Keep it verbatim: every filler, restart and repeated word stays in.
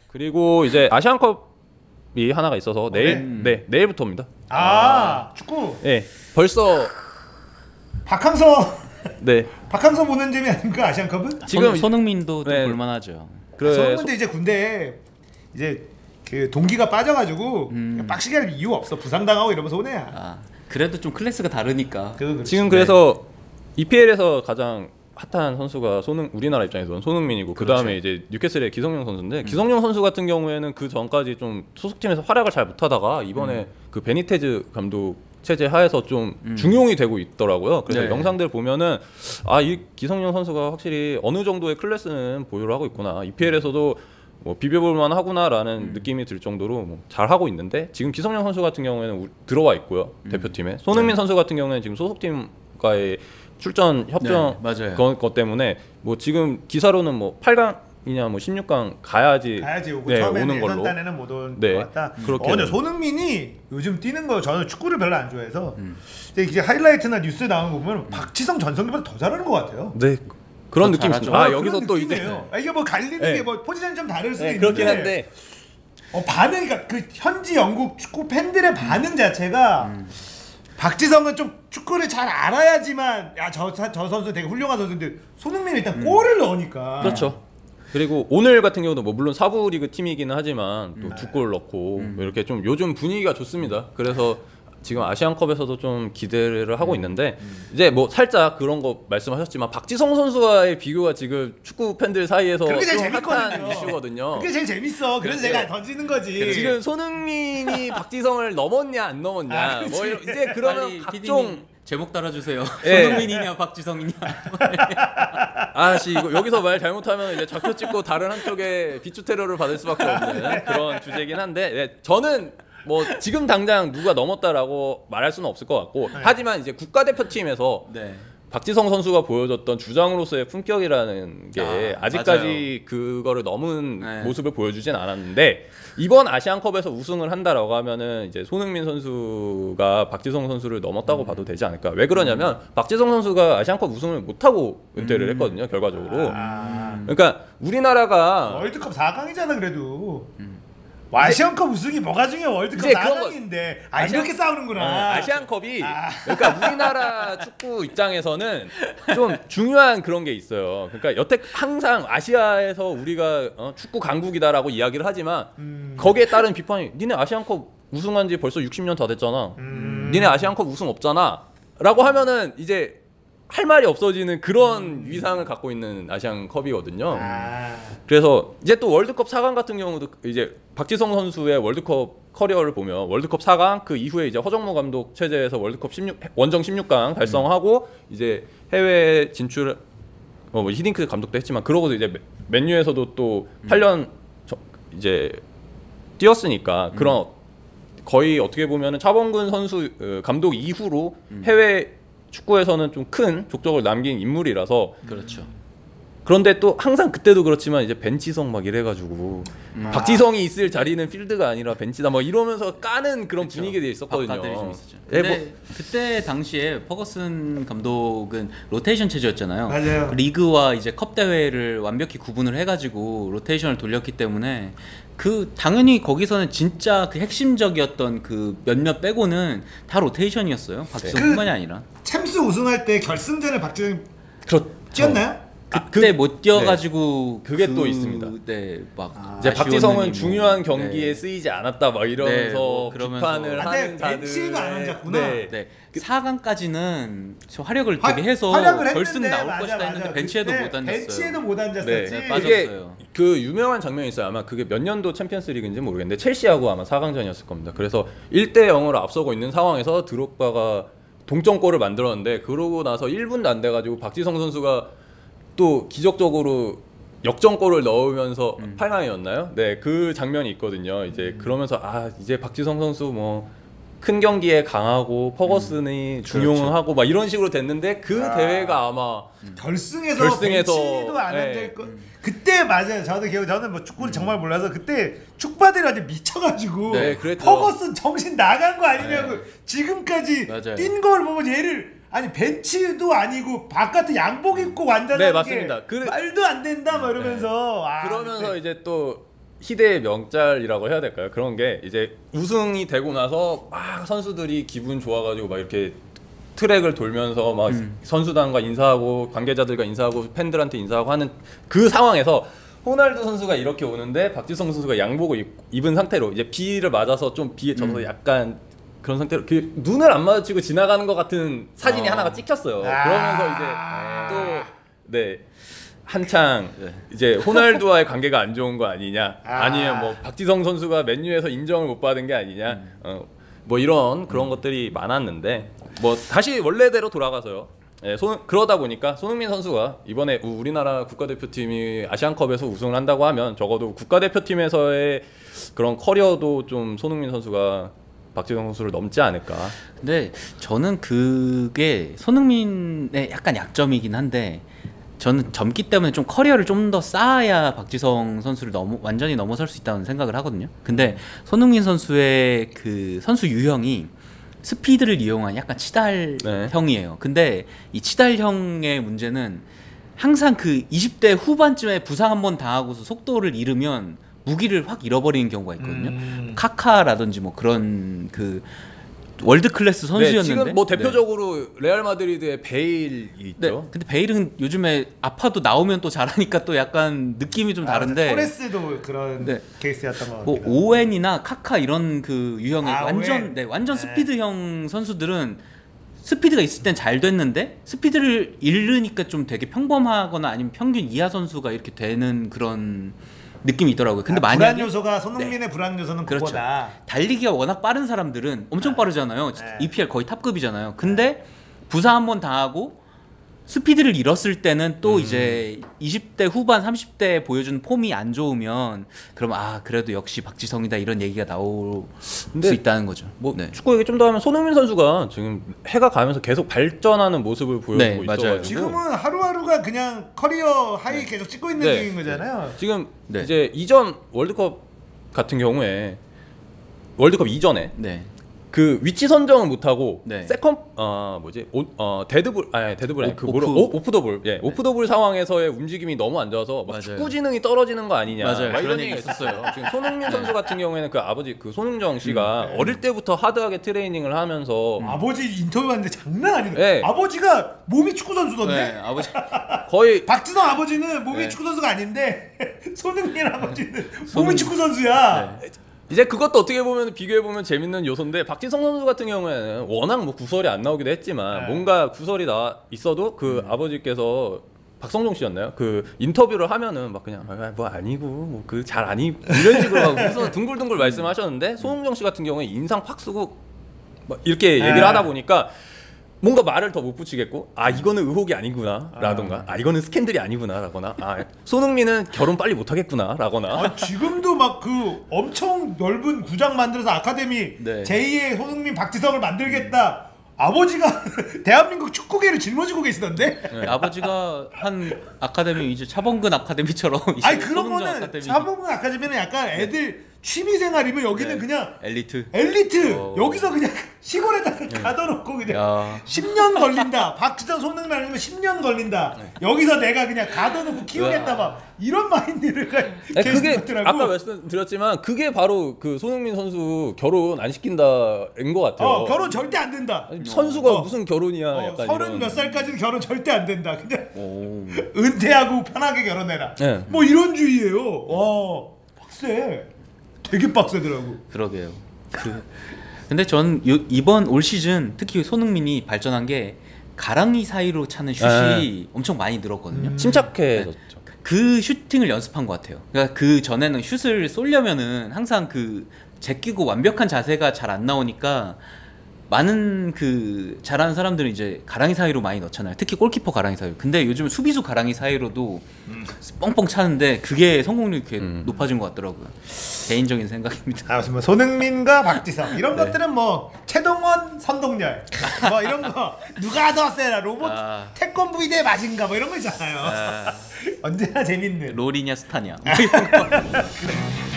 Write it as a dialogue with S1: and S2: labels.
S1: 그리고 이제 아시안컵이 하나가 있어서 내일
S2: 음.
S1: 네 내일부터입니다.
S2: 아, 축구.
S1: 네 벌써
S2: 박항서
S1: 네
S2: 박항서 보는 재미 아닌가 아시안컵은?
S3: 지금 손흥민도 좀
S1: 네.
S3: 볼만하죠.
S1: 그래
S2: 손흥민도 이제 군대에 이제 그 동기가 빠져가지고
S3: 음.
S2: 빡시게 할 이유 없어. 부상당하고 이러면서 오네야.
S3: 아 그래도 좀 클래스가 다르니까.
S1: 지금 그래서 이피엘에서 가장 핫한 선수가 손흥 우리나라 입장에서는 손흥민이고 그 다음에 이제 뉴캐슬의 기성용 선수인데 음. 기성용 선수 같은 경우에는 그 전까지 좀 소속팀에서 활약을 잘 못하다가 이번에 음. 그 베니테즈 감독 체제 하에서 좀 음. 중용이 되고 있더라고요. 그래서 네. 영상들 보면은 아 이 기성용 선수가 확실히 어느 정도의 클래스는 보유를 하고 있구나. 이피엘에서도 뭐 비벼볼만 하구나라는 음. 느낌이 들 정도로 뭐 잘 하고 있는데 지금 기성용 선수 같은 경우에는 우, 들어와 있고요. 음. 대표팀에 손흥민 네. 선수 같은 경우에는 지금 소속팀과의 출전 협정
S3: 네,
S1: 것, 것 때문에 뭐 지금 기사로는 뭐 팔 강이냐 뭐 십육 강 가야지,
S2: 가야지 오고
S1: 네,
S2: 처음에는
S1: 오는 걸로.
S2: 예선단에는 못 온 것
S1: 네,
S2: 같다.
S1: 그렇게.
S2: 어, 근데 손흥민이 요즘 뛰는 거 저는 축구를 별로 안 좋아해서 음. 이제 하이라이트나 뉴스에 나오는 거 보면 음. 박지성 전성기보다 더 잘하는 것 같아요.
S1: 네. 그런 느낌이 있습니다. 아,
S2: 아
S1: 여기서 또 이제
S2: 아, 이게 뭐 갈리는
S1: 네.
S2: 게 뭐 포지션이 좀 다를 수도
S1: 네,
S2: 있는데
S1: 그렇긴 한데
S2: 어, 반응, 그러니까 그 현지 영국 축구 팬들의 반응 자체가 음. 박지성은 좀 축구를 잘 알아야지만 야 저 저 선수 되게 훌륭한 선수인데 손흥민이 일단 음. 골을 넣으니까
S1: 그렇죠. 그리고 오늘 같은 경우도 뭐 물론 사부 리그 팀이기는 하지만 또 두 골 넣고 음. 이렇게 좀 요즘 분위기가 좋습니다. 그래서 지금 아시안컵에서도 좀 기대를 하고 음. 있는데 음. 이제 뭐 살짝 그런 거 말씀하셨지만 박지성 선수와의 비교가 지금 축구 팬들 사이에서
S2: 그게 제일
S1: 좀 핫한
S2: 재밌거든요.
S1: 이슈거든요.
S2: 그게 제일 재밌어. 그래서 제가 던지는 거지.
S1: 지금 손흥민이 박지성을 넘었냐 안 넘었냐
S2: 아,
S1: 뭐 이제 그러면 각종
S3: 제목 달아주세요.
S1: 네.
S3: 손흥민이냐 박지성이냐.
S1: 아씨 이거 여기서 말 잘못하면 이제 잡혀 찍고 다른 한쪽에 비추 테러를 받을 수밖에 없는 그런 주제긴 한데 네, 저는 뭐 지금 당장 누가 넘었다라고 말할 수는 없을 것 같고 네. 하지만 이제 국가대표팀에서 네. 박지성 선수가 보여줬던 주장으로서의 품격이라는 게 아, 아직까지 맞아요. 그거를 넘은 네. 모습을 보여주진 않았는데 이번 아시안컵에서 우승을 한다라고 하면은 이제 손흥민 선수가 박지성 선수를 넘었다고 음. 봐도 되지 않을까. 왜 그러냐면 음. 박지성 선수가 아시안컵 우승을 못하고 은퇴를 음. 했거든요. 결과적으로. 아. 그러니까 우리나라가
S2: 월드컵 사 강이잖아 그래도. 음. 아시안컵 우승이 뭐가 중요해. 월드컵 사 강인데 아 아시안, 이렇게 싸우는구나.
S1: 어, 아시안컵이 아. 그러니까 우리나라 축구 입장에서는 좀 중요한 그런 게 있어요. 그러니까 여태 항상 아시아에서 우리가 어, 축구 강국이다라고 이야기를 하지만 음. 거기에 따른 비판이 니네 아시안컵 우승한 지 벌써 육십 년 다 됐잖아. 음. 니네 아시안컵 우승 없잖아 라고 하면은 이제 할 말이 없어지는 그런 음. 위상을 갖고 있는 아시안컵이거든요. 아. 그래서 이제 또 월드컵 사 강 같은 경우도 이제 박지성 선수의 월드컵 커리어를 보면 월드컵 사 강 그 이후에 이제 허정무 감독 체제에서 월드컵 십육 원정 십육 강 달성하고 음. 이제 해외 진출 어, 뭐 히딩크 감독도 했지만 그러고도 이제 맨유에서도 또 음. 팔 년 저, 이제 뛰었으니까 음. 그런 거의 어떻게 보면은 차범근 선수 어, 감독 이후로 음. 해외 축구에서는 좀 큰 족적을 남긴 인물이라서
S3: 그렇죠.
S1: 그런데 또 항상 그때도 그렇지만 이제 벤치성 막 이래가지고 음. 박지성이 있을 자리는 필드가 아니라 벤치다 막 이러면서 까는 그런 그쵸. 분위기가 있었거든요.
S3: 네, 뭐. 그때 당시에 퍼거슨 감독은 로테이션 체제였잖아요.
S2: 맞아요.
S3: 리그와 이제 컵 대회를 완벽히 구분을 해가지고 로테이션을 돌렸기 때문에 그 당연히 거기서는 진짜 그 핵심적이었던 그 몇몇 빼고는 다 로테이션이었어요. 박지성뿐만이 그 아니라.
S2: 챔스 우승할 때 결승전에 박지성이
S1: 그렇죠.
S2: 뛰었나요?
S3: 그때 그, 못 뛰어가지고
S1: 네. 그게
S3: 그,
S1: 또 있습니다.
S3: 네, 막
S1: 아, 이제 박지성은 뭐, 중요한 경기에
S3: 네.
S1: 쓰이지 않았다 막 이러면서
S3: 네, 뭐
S1: 비판을
S2: 아,
S1: 하는 자들.
S2: 벤치도 안 앉았구나.
S3: 네. 네. 사 강까지는 활약을
S2: 화,
S3: 되게 해서 결승 나올
S2: 맞아,
S3: 것이다
S2: 맞아.
S3: 했는데 벤치에도 못 앉았어요.
S2: 벤치에도 못 앉았었지.
S3: 네, 빠졌어요.
S1: 그 유명한 장면이 있어요. 아마 그게 몇 년도 챔피언스리그인지 모르겠는데 첼시하고 아마 사 강전이었을 겁니다. 그래서 일 대 영으로 앞서고 있는 상황에서 드록바가 동점골을 만들었는데 그러고 나서 일 분도 안 돼가지고 박지성 선수가 또 기적적으로 역전골을 넣으면서 음. 팔 강이었나요? 네, 그 장면이 있거든요. 이제 음. 그러면서 아 이제 박지성 선수 뭐 큰 경기에 강하고 퍼거슨이 음. 중용하고 그렇죠. 막 이런 식으로 됐는데 그 아. 대회가 아마
S2: 음. 결승에서,
S1: 결승에서
S2: 벤치도 안
S1: 네.
S2: 앉아 있고 음. 그때 맞아요. 저도 기억 저는 뭐 축구를 음. 정말 몰라서 그때 축바들이 아주 미쳐가지고
S1: 네,
S2: 퍼거슨 정신 나간 거 아니냐고 네. 지금까지
S3: 맞아요.
S2: 뛴 걸 보면 얘를 아니 벤치도 아니고 바깥에 양복 입고 완전한
S1: 네,
S2: 게
S1: 맞습니다. 그,
S2: 말도 안 된다 막 이러면서
S1: 네.
S2: 아,
S1: 그러면서
S2: 근데.
S1: 이제 또 희대의 명짤이라고 해야 될까요? 그런 게 이제 우승이 되고 나서 막 선수들이 기분 좋아가지고 막 이렇게 트랙을 돌면서 막
S3: 음.
S1: 선수단과 인사하고 관계자들과 인사하고 팬들한테 인사하고 하는 그 상황에서 호날두 선수가 이렇게 오는데 박지성 선수가 양복을 입, 입은 상태로 이제 비를 맞아서 좀 비에 젖어서
S3: 음.
S1: 약간 그런 상태로 그 눈을 안 마주치고 지나가는 것 같은 사진이
S3: 어.
S1: 하나가 찍혔어요.
S2: 아.
S1: 그러면서 이제 또 네. 한창 이제 호날두와의 관계가 안 좋은 거 아니냐,
S2: 아.
S1: 아니면 뭐 박지성 선수가 맨유에서 인정을 못 받은 게 아니냐,
S3: 음.
S1: 어, 뭐 이런 그런 것들이 많았는데 뭐 다시 원래대로 돌아가서요. 예, 손, 그러다 보니까 손흥민 선수가 이번에 우- 우리나라 국가대표팀이 아시안컵에서 우승을 한다고 하면 적어도 국가대표팀에서의 그런 커리어도 좀 손흥민 선수가 박지성 선수를 넘지 않을까.
S3: 근데 저는 그게 손흥민의 약간 약점이긴 한데 저는 젊기 때문에 좀 커리어를 좀 더 쌓아야 박지성 선수를 넘어 완전히 넘어설 수 있다는 생각을 하거든요. 근데 손흥민 선수의 그 선수 유형이 스피드를 이용한 약간 치달형이에요. 근데 이 치달형의 문제는 항상 그 이십 대 후반쯤에 부상 한번 당하고서 속도를 잃으면 무기를 확 잃어버리는 경우가 있거든요.
S2: 음.
S3: 카카라든지 뭐 그런 그 월드 클래스 선수였는데
S1: 네, 지금 뭐
S3: 네.
S1: 대표적으로 레알 마드리드의 베일이 있죠.
S3: 네, 근데 베일은 요즘에 아파도 나오면 또 잘하니까 또 약간 느낌이 좀 다른데
S2: 아, 토레스도 그런
S3: 네.
S2: 케이스였던 것
S3: 뭐
S2: 같아요.
S3: 오웬이나 카카 이런 그 유형의
S2: 아,
S3: 완전
S2: 오웬.
S3: 네, 완전
S2: 네.
S3: 스피드형 선수들은 스피드가 있을 땐 잘 됐는데 스피드를 잃으니까 좀 되게 평범하거나 아니면 평균 이하 선수가 이렇게 되는 그런 느낌이 있더라고요. 근데
S2: 아,
S3: 만약에
S2: 불안 요소가 손흥민의 불안 요소는
S3: 그렇죠.
S2: 그거다.
S3: 달리기가 워낙 빠른 사람들은 엄청 빠르잖아요.
S2: 네.
S3: 이피엘 거의 탑급이잖아요. 근데 부상 한번 당하고 스피드를 잃었을 때는 또
S1: 음.
S3: 이제 이십 대 후반 삼십 대 보여준 폼이 안 좋으면 그럼 아 그래도 역시 박지성이다 이런 얘기가 나올
S1: 근데
S3: 수 있다는 거죠.
S1: 뭐
S3: 네.
S1: 축구 얘기 좀 더 하면 손흥민 선수가 지금 해가 가면서 계속 발전하는 모습을 보여주고
S3: 네, 맞아요.
S1: 있어가지고
S2: 지금은 하루하루가 그냥 커리어 하이 계속 찍고 있는
S1: 네.
S2: 중인 거잖아요.
S1: 지금
S3: 네.
S1: 이제 이전 월드컵 같은 경우에 월드컵 이전에
S3: 네.
S1: 그 위치 선정을 못 하고
S3: 네.
S1: 세컨 어 뭐지 오, 어 데드볼 아니 데드볼 아니
S3: 오-
S1: 그 뭐라
S3: 오프.
S1: 오, 오프 더블 예 오프 더블 상황에서의 움직임이 너무 안 좋아서 막
S3: 맞아요.
S1: 축구 지능이 떨어지는 거 아니냐
S3: 맞아요.
S1: 막 이런
S3: 그런
S1: 얘기가
S3: 얘기
S1: 있었어요. 지금 손흥민 선수 같은 경우에는 그 아버지 그 손흥정 씨가
S2: 음.
S1: 어릴 때부터 하드하게 트레이닝을 하면서
S2: 아버지 인터뷰 봤는데 장난 아니네.
S1: 네.
S2: 아버지가 몸이 축구 선수던데.
S3: 네, 아버지
S1: 거의
S2: 박지성 아버지는 몸이
S3: 네.
S2: 축구 선수가 아닌데 손흥민 아버지는 몸이
S3: 손흥민.
S2: 축구 선수야.
S3: 네.
S1: 이제 그것도 어떻게 보면 비교해 보면 재밌는 요소인데 박지성 선수 같은 경우에는 워낙 뭐 구설이 안 나오기도 했지만
S2: 네.
S1: 뭔가 구설이 나 있어도 그
S3: 음.
S1: 아버지께서 박성종 씨였나요? 그 인터뷰를 하면은 막 그냥 아, 뭐 아니고 뭐 그 잘 아니 이런 식으로 막 무슨 둥글둥글 말씀하셨는데 손흥정 씨 같은 경우에 인상 팍 쓰고 막 이렇게 얘기를
S2: 네.
S1: 하다 보니까 뭔가 말을 더 못 붙이겠고 아 이거는 의혹이 아니구나 라던가 아 이거는 스캔들이 아니구나 라거나 아 손흥민은 결혼 빨리 못 하겠구나 라거나
S2: 아, 지금도 막 그 엄청 넓은 구장 만들어서 아카데미
S3: 네.
S2: 제이의 손흥민 박지성을 만들겠다. 아버지가 대한민국 축구계를 짊어지고 계시던데.
S3: 네, 아버지가 한 아카데미 이제 차범근 아카데미처럼 이제
S2: 아니 그런
S3: 손흥정
S2: 거는
S3: 아카데미.
S2: 차범근 아카데미는 약간 애들 취미생활이면 여기는
S3: 네.
S2: 그냥
S3: 엘리트.
S2: 엘리트
S3: 어.
S2: 여기서 그냥 시골에다가 가둬놓고 그냥
S3: 야.
S2: 십 년 걸린다. 박지성 손흥민 아니면 십 년 걸린다. 여기서 내가 그냥 가둬놓고 키우겠다 막 이런 마인드를
S1: 아니,
S2: 계속
S1: 그게
S2: 있더라고.
S1: 아까 말씀드렸지만 그게 바로 그 손흥민 선수 결혼 안 시킨다인 것 같아요.
S2: 어 결혼 절대 안 된다.
S1: 아니, 선수가
S2: 어.
S1: 무슨 결혼이야?
S2: 어,
S1: 약간
S2: 서른
S1: 이런.
S2: 몇 살까지는 결혼 절대 안 된다. 그냥
S3: 오.
S2: 은퇴하고 편하게 결혼해라.
S1: 네.
S2: 뭐 이런 주의예요. 와 빡세. 되게 빡세더라고.
S3: 그러게요. 그 근데 전 요, 이번 올 시즌 특히 손흥민이 발전한 게 가랑이 사이로 차는 슛이
S1: 네.
S3: 엄청 많이 늘었거든요.
S2: 음.
S1: 침착해졌죠.
S3: 그 슈팅을 연습한 것 같아요. 그러니까 그 전에는 슛을 쏘려면은 항상 그 제끼고 완벽한 자세가 잘 안 나오니까 많은 그 잘하는 사람들은 이제 가랑이 사이로 많이 넣잖아요. 특히 골키퍼 가랑이 사이로. 근데 요즘 수비수 가랑이 사이로도 뻥뻥 차는데 그게 성공률이 이렇게
S1: 음.
S3: 높아진 것 같더라고요. 개인적인 생각입니다.
S2: 아, 무슨 뭐 손흥민과 박지성 이런
S3: 네.
S2: 것들은 뭐 최동원, 선동열 뭐 이런 거 누가 더 세라 로봇
S3: 아.
S2: 태권브이 대 마징가 뭐 이런 거 있잖아요.
S3: 아,
S2: 언제나 재밌는.
S3: 롤이냐 스타냐. 뭐 이런 거.
S2: 그래.